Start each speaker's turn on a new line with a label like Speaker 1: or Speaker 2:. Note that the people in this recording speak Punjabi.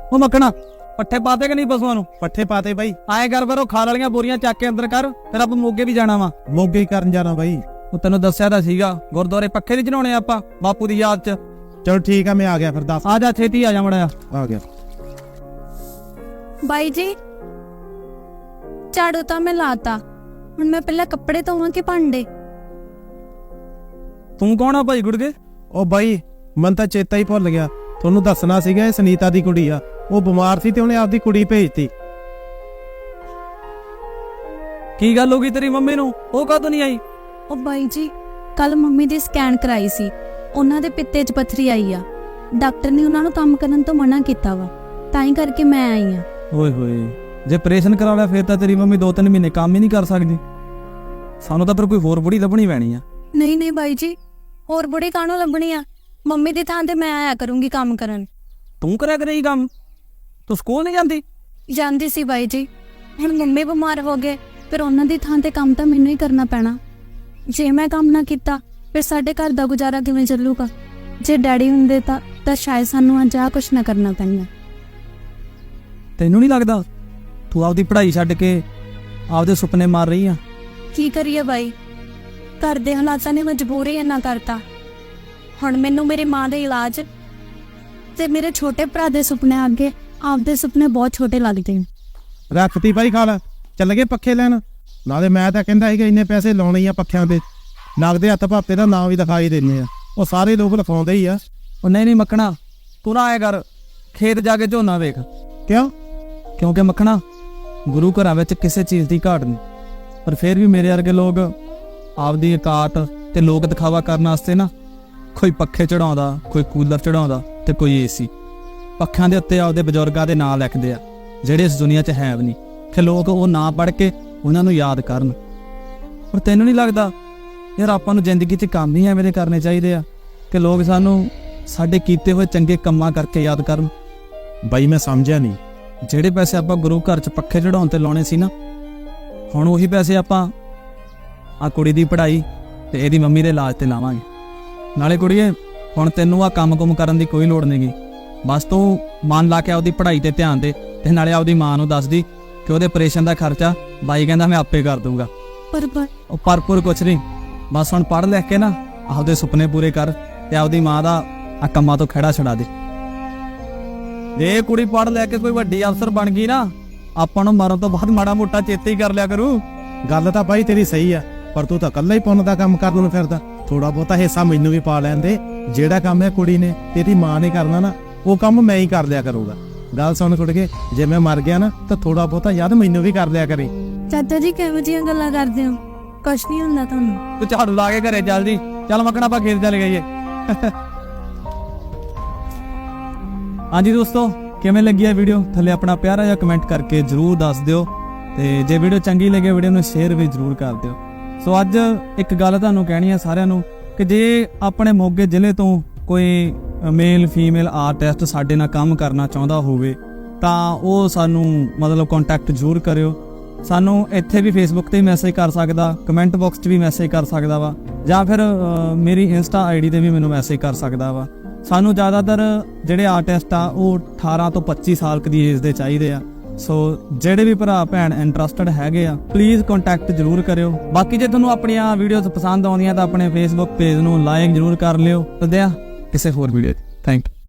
Speaker 1: ਉਹ ਮੱਖਣਾ ਪੱਠੇ ਪਾਤੇ ਕਿ ਨਹੀਂ ਪਸ਼ੂਆਂ ਨੂੰ?
Speaker 2: ਪੱਠੇ ਪਾਤੇ ਬਾਈ।
Speaker 1: ਆਏ ਕਰ ਫਿਰ ਉਹ ਖਾਲ ਵਾਲੀਆਂ ਬੋਰੀਆਂ ਚੱਕ ਕੇ ਅੰਦਰ ਕਰ, ਫਿਰ ਆਪਾਂ ਮੋਗੇ ਵੀ ਜਾਣਾ ਵਾ।
Speaker 2: ਮੋਗੇ ਕਰਨ ਜਾਣਾ ਬਾਈ।
Speaker 1: ਉਹ ਤੈਨੂੰ ਦੱਸਿਆ ਤਾਂ ਸੀਗਾ ਗੁਰਦੁਆਰੇ ਪੱਖੇ ਨਹੀਂ ਚੜਾਉਣੇ ਆਪਾਂ ਬਾਪੂ ਦੀ ਯਾਦ ਚ।
Speaker 2: ਚਲੋ ਠੀਕ ਆ, ਮੈਂ ਆ ਗਿਆ ਫਿਰ। ਦੱਸ।
Speaker 1: ਆ ਜਾ ਛੇਤੀ ਆ ਜਾ ਮੜਿਆ।
Speaker 2: ਆ ਗਿਆ
Speaker 3: ਬਾਈ ਜੀ, ਝਾੜੂ ਤਾਂ ਮੈਂ ਲਾਤਾ, ਹੁਣ ਮੈਂ ਪਹਿਲਾਂ ਕੱਪੜੇ ਧੋਵਾਂ ਕਿ ਭਾਂਡੇ?
Speaker 1: ਤੂੰ ਕੌਣ ਆ ਭਾਈ ਗੁੜਗੇ?
Speaker 2: ਉਹ ਬਾਈ ਮਨ ਤਾਂ ਚੇਤਾ ਹੀ ਭੁੱਲ ਗਿਆ, ਤੁਹਾਨੂੰ ਦੱਸਣਾ ਸੀਗਾ। ਇਹ ਸੁਨੀਤਾ ਦੀ ਕੁੜੀ ਆ, ਉਹ ਬਿਮਾਰ ਸੀ ਤੇ ਉਹਨੇ ਆਪਦੀ ਕੁੜੀ ਭੇਜਤੀ।
Speaker 1: ਕੀ ਗੱਲ ਹੋ ਗਈ ਤੇਰੀ ਮੰਮੀ ਨੂੰ? ਉਹ ਕਦੋਂ ਨਹੀਂ ਆਈ?
Speaker 3: ਉਹ ਬਾਈ ਜੀ, ਕੱਲ ਮੰਮੀ ਦੀ ਸਕੈਨ ਕਰਾਈ ਸੀ, ਉਹਨਾਂ ਦੇ ਪਿੱਤੇ 'ਚ ਪੱਥਰੀ ਆਈ ਆ। ਡਾਕਟਰ ਨੇ ਉਹਨਾਂ ਨੂੰ ਕੰਮ ਕਰਨ ਤੋਂ ਮਨਾ ਕੀਤਾ ਵਾ, ਤਾਂ ਹੀ ਕਰਕੇ ਮੈਂ ਆਈ ਆ।
Speaker 1: ਓਏ ਹੋਏ, ਜੇ ਆਪਰੇਸ਼ਨ ਕਰਾ ਲਿਆ ਫਿਰ ਤਾਂ ਤੇਰੀ ਮੰਮੀ 2-3 ਮਹੀਨੇ ਕੰਮ ਹੀ ਨਹੀਂ ਕਰ ਸਕਦੀ। ਸਾਨੂੰ ਤਾਂ ਫਿਰ ਕੋਈ ਹੋਰ ਬੁੜੀ ਲੱਭਣੀ ਪੈਣੀ ਆ।
Speaker 3: ਨਹੀਂ ਨਹੀਂ ਬਾਈ ਜੀ, ਹੋਰ ਬੁੜੀ ਕਾਹਨੂੰ ਲੱਭਣੀ ਆ? ਮੰਮੀ ਦੀ ਥਾਂ ਤੇ ਮੈਂ ਆਇਆ ਕਰੂੰਗੀ ਕੰਮ ਕਰਨ।
Speaker 1: ਤੂੰ ਕਰਿਆ ਕਰੇਗੀ ਕੰਮ? ਤੂੰ ਸਕੂਲ ਨਹੀਂ ਜਾਂਦੀ?
Speaker 3: ਜਾਂਦੀ ਸੀ ਬਾਈ ਜੀ, ਹੁਣ ਮੰਮੀ ਬਿਮਾਰ ਹੋ ਗਏ, ਫਿਰ ਉਹਨਾਂ ਦੀ ਥਾਂ ਤੇ ਕੰਮ ਤਾਂ ਮੈਨੂੰ ਹੀ ਕਰਨਾ ਪੈਣਾ। ਜੇ ਮੈਂ ਕੰਮ ਨਾ ਕੀਤਾ ਫਿਰ ਸਾਡੇ ਘਰ ਦਾ ਗੁਜ਼ਾਰਾ ਕਿਵੇਂ ਚੱਲੂਗਾ? ਜੇ ਡੈਡੀ ਹੁੰਦੇ ਤਾਂ ਸ਼ਾਇਦ ਸਾਨੂੰ ਅੱਜ ਆਹ ਕੁਛ ਨਾ ਕਰਨਾ ਪੈਂਦਾ।
Speaker 1: ਤੈਨੂੰ ਨਹੀਂ ਲੱਗਦਾ ਤੂੰ ਆਪਦੀ ਪੜ੍ਹਾਈ ਛੱਡ ਕੇ ਆਪਦੇ ਸੁਪਨੇ ਮਾਰ ਰਹੀ ਆ?
Speaker 3: ਕੀ ਕਰੀਏ ਬਾਈ, ਘਰ ਦੇ ਹਾਲਾਤਾਂ ਨੇ ਮਜਬੂਰੀ ਇੰਨਾ ਕਰਤਾ। ਹੁਣ ਮੈਨੂੰ ਮੇਰੀ ਮਾਂ ਦੇ ਇਲਾਜ ਤੇ ਮੇਰੇ ਛੋਟੇ ਭਰਾ ਦੇ ਸੁਪਨੇ ਅੱਗੇ ਆਪਦੇ ਸੁਪਨੇ ਬਹੁਤ ਛੋਟੇ ਲੱਗਦੇ ਨੇ।
Speaker 2: ਰੱਖਤੀ ਬਾਈ ਖਾਲ, ਚੱਲ ਗਏ ਪੱਖੇ ਲੈਣ। ਨਾਲੇ ਮੈਂ ਤਾਂ ਕਹਿੰਦਾ ਸੀਗਾ ਇੰਨੇ ਪੈਸੇ ਲਾਉਣੇ ਆ ਪੱਖਿਆਂ ਤੇ, ਨਗਦੇ ਹੱਥ ਭਾਪੇ ਦਾ ਨਾਂ ਵੀ ਦਿਖਾਈ ਦਿੰਦੇ ਆ। ਉਹ ਸਾਰੇ ਲੋਕ ਲਿਖਾਉਂਦੇ ਹੀ ਆ।
Speaker 1: ਉਹ ਨਹੀਂ ਮੱਖਣਾ, ਤੂੰ ਨਾ ਆਇਆ ਕਰ, ਖੇਤ ਜਾ ਕੇ ਝੋਨਾ ਵੇਖ।
Speaker 2: ਕਿਉਂ?
Speaker 1: ਕਿਉਂਕਿ ਮੱਖਣਾ, ਗੁਰੂ ਘਰਾਂ ਵਿੱਚ ਕਿਸੇ ਚੀਜ਼ ਦੀ ਘਾਟ ਨਹੀਂ, ਪਰ ਫਿਰ ਵੀ ਮੇਰੇ ਵਰਗੇ ਲੋਕ ਆਪਦੀ ਔਕਾਤ ਤੇ ਲੋਕ ਦਿਖਾਵਾ ਕਰਨ ਵਾਸਤੇ ਨਾ ਕੋਈ ਪੱਖੇ ਚੜਾਉਂਦਾ, ਕੋਈ ਕੂਲਰ ਚੜਾਉਂਦਾ ਤੇ ਕੋਈ ਏਸੀ। ਪੱਖਿਆਂ ਦੇ ਉੱਤੇ ਆਪਦੇ ਬਜ਼ੁਰਗਾਂ ਦੇ ਨਾਂ ਲਿਖਦੇ ਆ ਜਿਹੜੇ ਇਸ ਦੁਨੀਆ 'ਚ ਹੈ ਵੀ ਨਹੀਂ, ਕਿ ਲੋਕ ਉਹ ਨਾਂ ਪੜ੍ਹ ਕੇ ਉਹਨਾਂ ਨੂੰ ਯਾਦ ਕਰਨ। ਪਰ ਤੈਨੂੰ ਨਹੀਂ ਲੱਗਦਾ ਯਾਰ ਆਪਾਂ ਨੂੰ ਜ਼ਿੰਦਗੀ 'ਚ ਕੰਮ ਹੀ ਐਵੇਂ ਦੇ ਕਰਨੇ ਚਾਹੀਦੇ ਆ ਕਿ ਲੋਕ ਸਾਨੂੰ ਸਾਡੇ ਕੀਤੇ ਹੋਏ ਚੰਗੇ ਕੰਮਾਂ ਕਰਕੇ ਯਾਦ ਕਰਨ?
Speaker 2: ਬਾਈ ਮੈਂ ਸਮਝਿਆ ਨਹੀਂ।
Speaker 1: ਜਿਹੜੇ ਪੈਸੇ ਆਪਾਂ ਗੁਰੂ ਘਰ 'ਚ ਪੱਖੇ ਚੜਾਉਣ ਤੇ ਲਾਉਣੇ ਸੀ ਨਾ, ਹੁਣ ਉਹੀ ਪੈਸੇ ਆਪਾਂ ਆ ਕੁੜੀ ਦੀ ਪੜ੍ਹਾਈ ਤੇ ਇਹਦੀ ਮੰਮੀ ਦੇ ਇਲਾਜ ਤੇ ਲਾਵਾਂਗੇ। ਨਾਲੇ ਕੁੜੀਏ, ਹੁਣ ਤੈਨੂੰ ਆ ਕੰਮ-ਕੁਮ ਕਰਨ ਦੀ ਕੋਈ ਲੋੜ ਨਹੀਂਗੀ। ਬਸ ਤੂੰ ਮਨ ਲਾ ਕੇ ਆਪਦੀ ਪੜ੍ਹਾਈ ਤੇ ਧਿਆਨ ਦੇ, ਤੇ ਨਾਲੇ ਆਪਦੀ ਮਾਂ ਨੂੰ ਦੱਸਦੀ ਕਿ ਉਹਦੇ ਆਪਰੇਸ਼ਨ ਦਾ ਖਰਚਾ ਬਾਈ ਕਹਿੰਦਾ ਮੈਂ ਆਪੇ ਕਰ ਦੂੰਗਾ। ਉਹ ਪਰਪੁਰ ਕੁਛ ਨਹੀਂ, ਬਸ ਹੁਣ ਪੜ੍ਹ ਲਿਖ ਕੇ ਨਾ ਆਪਦੇ ਸੁਪਨੇ ਪੂਰੇ ਕਰ ਤੇ ਆਪਦੀ ਮਾਂ ਦਾ ਆ ਕੰਮਾਂ ਤੋਂ ਖਹਿੜਾ ਛੁਡਾ ਦੇ। ਜੇ ਕੁੜੀ ਪੜ੍ਹ ਲੈ ਕੇ ਕੋਈ ਵੱਡੀ ਅਫਸਰ ਬਣ ਗਈ ਨਾ, ਆਪਾਂ ਨੂੰ ਮਰਨ ਤੋਂ ਬਾਅਦ ਮਾੜਾ ਮੋਟਾ ਚੇਤੇ ਹੀ ਕਰ ਲਿਆ ਕਰੂ।
Speaker 2: ਗੱਲ ਤਾਂ ਬਾਈ ਤੇਰੀ ਸਹੀ ਆ, ਪਰ ਤੂੰ ਤਾਂ ਇਕੱਲਾ ਹੀ ਪੁੰਨ ਦਾ ਕੰਮ ਕਰਨ ਨੂੰ ਫਿਰਦਾ। ਥੋੜਾ ਬਹੁਤਾ ਹਿੱਸਾ ਮੈਨੂੰ ਵੀ ਪਾ ਲੈਂਦੇ। ਜਿਹੜਾ ਕੰਮ ਇਹ ਕੁੜੀ ਨੇ ਤੇਰੀ ਮਾਂ ਨੇ ਕਰਨਾ ਨਾ, ਉਹ ਕੰਮ ਮੈਂ ਹੀ ਕਰ ਲਿਆ ਕਰੂੰਗਾ। ਗੱਲ ਸੁਣ ਕੁੜ ਕੇ, ਜੇ ਮੈਂ ਮਰ ਗਿਆ ਨਾ ਤਾਂ ਥੋੜਾ ਬਹੁਤਾ ਯਾਦ ਮੈਨੂੰ ਵੀ ਕਰ ਲਿਆ ਕਰੇ।
Speaker 3: ਚਾਚਾ ਜੀ ਕਿਹੋ ਜਿਹੀਆਂ ਗੱਲਾਂ ਕਰਦੇ ਹੋ? ਕੁਛ ਨਹੀਂ ਹੁੰਦਾ ਤੁਹਾਨੂੰ।
Speaker 1: ਤੂੰ ਝਾੜੂ ਲਾ ਕੇ ਘਰੇ ਚੱਲ ਜੀ। ਚੱਲ ਮੱਕਣਾ, ਆਪਾਂ ਖੇਤ ਚੱਲ ਗਈਏ। ਹਾਂਜੀ ਦੋਸਤੋ, ਕਿਵੇਂ ਲੱਗੀ ਇਹ ਵੀਡੀਓ? ਥੱਲੇ ਆਪਣਾ ਪਿਆਰਾ ਜਿਹਾ ਕਮੈਂਟ ਕਰਕੇ ਜਰੂਰ ਦੱਸ ਦਿਓ, ਤੇ ਜੇ ਵੀਡੀਓ ਚੰਗੀ ਲੱਗੇ ਵੀਡੀਓ ਨੂੰ ਸ਼ੇਅਰ ਵੀ ਜਰੂਰ ਕਰ ਦਿਓ। ਸੋ ਅੱਜ ਇੱਕ ਗੱਲ ਤੁਹਾਨੂੰ ਕਹਿਣੀ ਹੈ ਸਾਰਿਆਂ ਨੂੰ ਕਿ ਜੇ ਆਪਣੇ ਮੋਗੇ ਜ਼ਿਲ੍ਹੇ ਤੋਂ ਕੋਈ ਮੇਲ ਫੀਮੇਲ ਆਰਟਿਸਟ ਸਾਡੇ ਨਾਲ ਕੰਮ ਕਰਨਾ ਚਾਹੁੰਦਾ ਹੋਵੇ ਤਾਂ ਉਹ ਸਾਨੂੰ ਮਤਲਬ ਕੰਟੈਕਟ ਜ਼ਰੂਰ ਕਰਿਓ। ਸਾਨੂੰ ਇੱਥੇ ਵੀ ਫੇਸਬੁੱਕ ਤੇ ਮੈਸੇਜ ਕਰ ਸਕਦਾ, ਕਮੈਂਟ ਬਾਕਸ 'ਚ ਵੀ ਮੈਸੇਜ ਕਰ ਸਕਦਾ ਵਾ, ਜਾਂ ਫਿਰ ਮੇਰੀ ਇੰਸਟਾ ਆਈਡੀ ਤੇ ਵੀ ਮੈਨੂੰ ਮੈਸੇਜ ਕਰ ਸਕਦਾ ਵਾ। ਸਾਨੂੰ ਜ਼ਿਆਦਾਤਰ ਜਿਹੜੇ ਆਰਟਿਸਟ ਆ ਉਹ 18 ਤੋਂ 25 ਸਾਲ ਦੀ ਏਜ ਦੇ ਚਾਹੀਦੇ ਆ। ਸੋ ਜਿਹੜੇ ਵੀ ਭਰਾ ਭੈਣ ਇੰਟਰਸਟਡ ਹੈਗੇ ਆ, ਪਲੀਜ਼ ਕੰਟੈਕਟ ਜ਼ਰੂਰ ਕਰਿਓ। ਬਾਕੀ ਜੇ ਤੁਹਾਨੂੰ ਆਪਣੀਆਂ ਵੀਡੀਓਜ਼ ਪਸੰਦ ਆਉਂਦੀਆਂ ਤਾਂ ਆਪਣੇ ਫੇਸਬੁੱਕ ਪੇਜ ਨੂੰ ਲਾਈਕ ਜ਼ਰੂਰ ਕਰ ਲਿਓ। ਤੇ ਕਿਸੇ ਹੋਰ ਵੀਡੀਓ 'ਚ ਥੈਂਕ ਯੂ।